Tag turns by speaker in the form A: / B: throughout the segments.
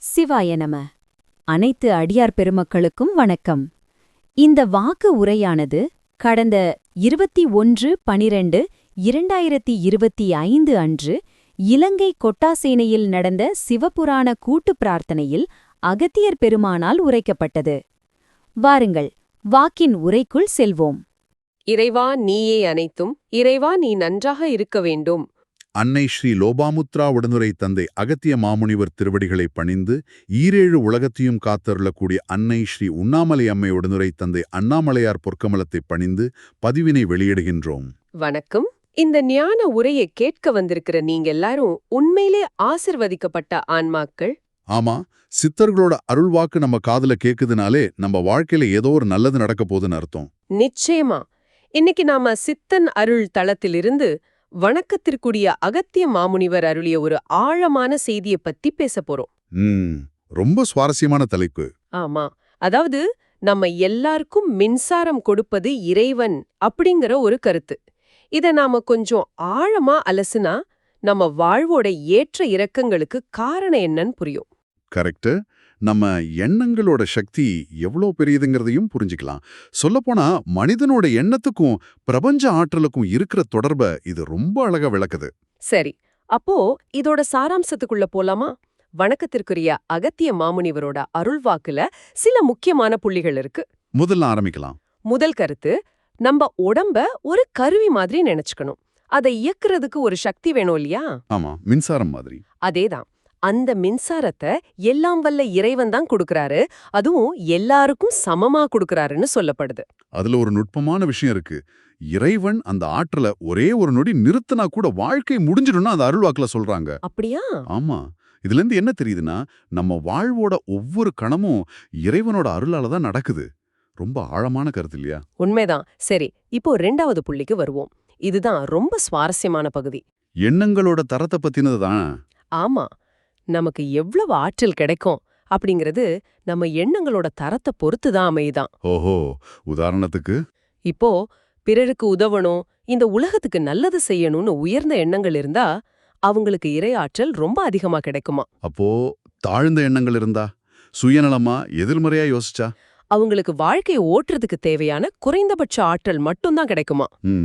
A: சிவாய நம. அனைத்து அடியார் பெருமக்களுக்கும் வணக்கம். இந்த வாக்கு உரையானது கடந்த 21/12/2025 அன்று இலங்கை கொட்டாசேனையில் நடந்த சிவபுராண கூட்டுப் பிரார்த்தனையில் அகத்தியர் பெருமானால் உரைக்கப்பட்டது. வாருங்கள், வாக்கின் உரைக்குள் செல்வோம்.
B: இறைவா, நீயே அனைத்தும். இறைவா, நீ நன்றாக இருக்க வேண்டும்.
C: அன்னை ஸ்ரீ லோபாமுத்ரா உடனுரை தந்தை அகத்திய மாமுனிவர் திருவடிகளை பணிந்து ஈரேழு உலகத்தையும் காத்தருளக்கூடிய அன்னை ஸ்ரீ உண்ணாமலை அம்மை உடனுரை தந்தை அண்ணாமலையார் பொற்கமலத்தை பணிந்து பதிவினை வெளியிடுகின்றோம்.
B: வணக்கம். இந்த ஞான உரையை கேட்க வந்திருக்கிற நீங்க எல்லாரும் உண்மையிலே ஆசிர்வதிக்கப்பட்ட ஆன்மாக்கள்.
C: ஆமா, சித்தர்களோட அருள்வாக்கு நம்ம காதுல கேக்குதுனாலே நம்ம வாழ்க்கையில ஏதோ ஒரு நல்லது நடக்க போகுதுன்னு அர்த்தம்.
B: நிச்சயமா. இன்னைக்கு நாம சித்தன் அருள் தளத்திலிருந்து வணக்கத்திற்குரிய அகத்திய மாமுனிவர் அருளிய ஒரு ஆழமான செய்தியை பத்தி பேச போறோம்.
C: ரொம்ப சுவாரஸ்யமான தலைப்பு.
B: ஆமா, அதாவது நம்ம எல்லாருக்கும் மின்சாரம் கொடுப்பது இறைவன் அப்படிங்கிற ஒரு கருத்து. இத நாம கொஞ்சம் ஆழமா அலசுனா நம்ம வாழ்வோட ஏற்ற இறக்கங்களுக்கு காரணம் என்னன்னு புரியும்.
C: கரெக்ட். நம்ம எண்ணங்களோட சக்தி எவ்வளோ பெரியதுங்கிறதையும் புரிஞ்சுக்கலாம். சொல்லப்போனா மனிதனோட எண்ணத்துக்கும் பிரபஞ்ச ஆற்றலுக்கும் இருக்கிற தொடர்பை இது ரொம்ப அழகா விளக்குது.
B: சரி, அப்போ இதோட சாராம்சத்துக்குள்ள போலாமா? வணக்கத்திற்குரிய அகத்திய மாமுனிவரோட அருள்வாக்குல சில முக்கியமான புள்ளிகள் இருக்கு.
C: முதல்ல ஆரம்பிக்கலாம்.
B: முதல் கருத்து, நம்ம உடம்ப ஒரு கருவி மாதிரி நினைச்சுக்கணும். அதை இயக்குறதுக்கு ஒரு சக்தி வேணும் இல்லையா?
C: ஆமா, மின்சாரம் மாதிரி.
B: அதேதான். அந்த மின்சாரத்தை எல்லாம் வல்ல இறைவன் தான் கொடுக்கறாரு. அதுவும் எல்லாருக்கும் சமமா கொடுக்கறாருன்னு சொல்லப்படுது.
C: அதுல ஒரு நுட்பமான விஷயம் இருக்கு. இறைவன் அந்த ஆற்றலை ஒரே ஒரு நொடி நிறுத்தினா கூட வாழ்க்கை முடிஞ்சிடும்னா அந்த அருள்வாக்குல சொல்றாங்க.
B: அப்படியா?
C: ஆமா. இதுல இருந்து என்ன தெரியுதுன்னா, நம்ம வாழ்வோட ஒவ்வொரு கணமும் இறைவனோட அருளால தான் நடக்குது. ரொம்ப ஆழமான கருத்து இல்லையா?
B: உண்மைதான். சரி, இப்போ 2வது புள்ளிக்கு வருவோம். இதுதான் ரொம்ப சுவாரஸ்யமான பகுதி.
C: எண்ணங்களோட தரத்தை பத்தினது தான்.
B: ஆமா, நமக்கு எவ்வளவு ஆற்றல் கிடைக்கும் அப்படிங்கிறது நம்ம எண்ணங்களோட தரத்தை பொறுத்து தான் அமையுதான்.
C: ஓஹோ, உதாரணத்துக்கு
B: இப்போ பிறருக்கு உதவணும், இந்த உலகத்துக்கு நல்லது செய்யணும்னு உயர்ந்த எண்ணங்கள் இருந்தா அவங்களுக்கு இறை ஆற்றல் ரொம்ப அதிகமா கிடைக்குமா.
C: அப்போ தாழ்ந்த எண்ணங்கள் இருந்தா, சுயநலமா எதிர்மறையா யோசிச்சா,
B: அவங்களுக்கு வாழ்க்கையை ஓட்டுறதுக்கு தேவையான குறைந்தபட்ச ஆற்றல் மட்டும்தான் கிடைக்குமா.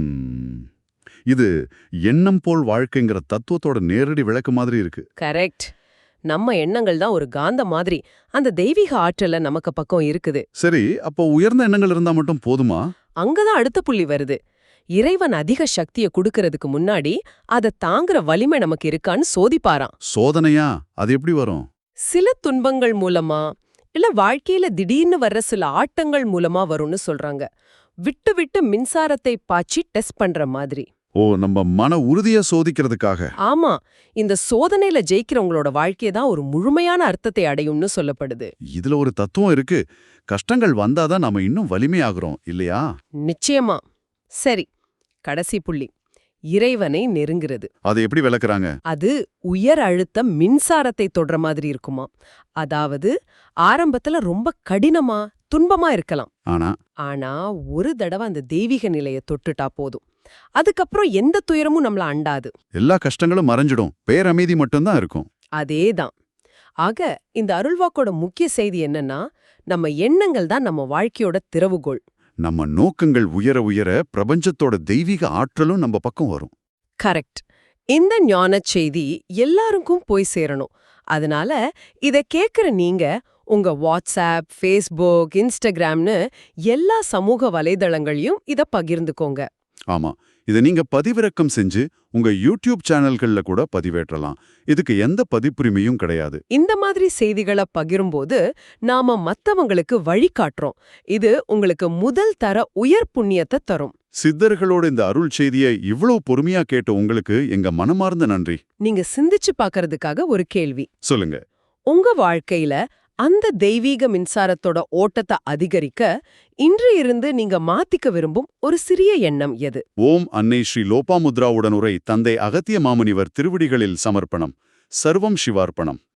C: இது எண்ணம் போல் வாழ்க்கைங்கிற தத்துவத்தோட நேரடி விளக்கு மாதிரி இருக்கு.
B: கரெக்ட். நம்ம எண்ணங்கள் தான் ஒரு காந்த மாதிரி. அந்த தெய்வீக ஆற்றல நமக்கு பக்கம் இருக்குது.
C: சரி, அப்போ உயர்ந்த எண்ணங்கள் இருந்தா மட்டும் போதுமா?
B: அங்கதான் அடுத்த புள்ளி வருது. இறைவன் அதிக சக்தியை கொடுக்கறதுக்கு முன்னாடி அதை தாங்குற வலிமை நமக்கு இருக்கான்னு சோதிப்பாராம்.
C: சோதனையா? அது எப்படி வரும்?
B: சில துன்பங்கள் மூலமா, இல்ல வாழ்க்கையில திடீர்னு வர்ற சில ஆட்டங்கள் மூலமா வரும்னு சொல்றாங்க. விட்டு விட்டு மின்சாரத்தை பாய்ச்சி டெஸ்ட் பண்ற மாதிரி.
C: ஓ, நம்ம மன உறுதியை சோதிக்கிறதுக்காக.
B: ஆமா, இந்த சோதனையில ஜெயிக்கிறவங்களோட வாழ்க்கையை தான் ஒரு முழுமையான அர்த்தத்தை அடையும்னு சொல்லப்படுது.
C: இதுல ஒரு தத்துவம் இருக்கு. கஷ்டங்கள் வந்தாதான் நாம இன்னும் வலிமையாகிறோம் இல்லையா?
B: நிச்சயமா. சரி, கடைசி புள்ளி, இறைவனை நெருங்குறது.
C: அதை எப்படி விளக்குறாங்க?
B: அது உயர் அழுத்த மின்சாரத்தை தொடுற மாதிரி இருக்குமா. அதாவது ஆரம்பத்துல ரொம்ப கடினமா துன்பமா இருக்கலாம். ஆனா ஒரு தடவை அந்த தெய்வீக நிலையை தொட்டுட்டா போதும். அதுக்கப்புறம் எந்த துயரமும் நம்மள அண்டாது.
C: எல்லா கஷ்டங்களும் மறைஞ்சிடும், பேரமைதி மட்டும்தான் இருக்கும்.
B: அதேதான். ஆக இந்த அருள்வாக்கோட முக்கிய செய்தி என்னன்னா, நம்ம எண்ணங்கள் தான் நம்ம வாழ்க்கையோட திறவுகோள்.
C: நம்ம நோக்கங்கள் உயர உயர பிரபஞ்சத்தோட தெய்வீக ஆற்றலும் நம்ம பக்கம் வரும்.
B: கரெக்ட். இந்த ஞான செய்தி எல்லாருக்கும் போய் சேரணும். அதனால இத கேக்குற நீங்க உங்க வாட்ஸ்அப், ஃபேஸ்புக், இன்ஸ்டாகிராம்னு எல்லா சமூக வலைதளங்களையும் இத பகிர்ந்துக்கோங்க.
C: ஆமா, இதை நீங்க பதிவிறக்கம் செஞ்சு உங்க யூடியூப் சேனல்கள்ல கூட பதிவேற்றலாம். இதுக்கு எந்த பதிப்புரிமையும் கிடையாது.
B: இந்த மாதிரி செய்திகளை பகிரும்போது நாம மத்தவங்களுக்கு வழிகாட்டுறோம். இது உங்களுக்கு முதல் தர உயர் புண்ணியத்தை தரும்.
C: சித்தர்களோட இந்த அருள் செய்தியை இவ்வளவு பொறுமையா கேட்ட உங்களுக்கு எங்க மனமார்ந்த நன்றி.
B: நீங்க சிந்திச்சு பார்க்கறதுக்காக ஒரு கேள்வி.
C: சொல்லுங்க.
B: உங்க வாழ்க்கையில அந்த தெய்வீக மின்சாரத்தோட ஓட்டத்தை அதிகரிக்க இன்று இருந்து நீங்க மாத்திக்க விரும்பும் ஒரு சிறிய எண்ணம் எது?
C: ஓம் அன்னை ஸ்ரீ லோபாமுத்ரா உடனுரை தந்தை அகத்திய மாமுனிவர் திருவடிகளில் சமர்ப்பணம். சர்வம் சிவார்ப்பணம்.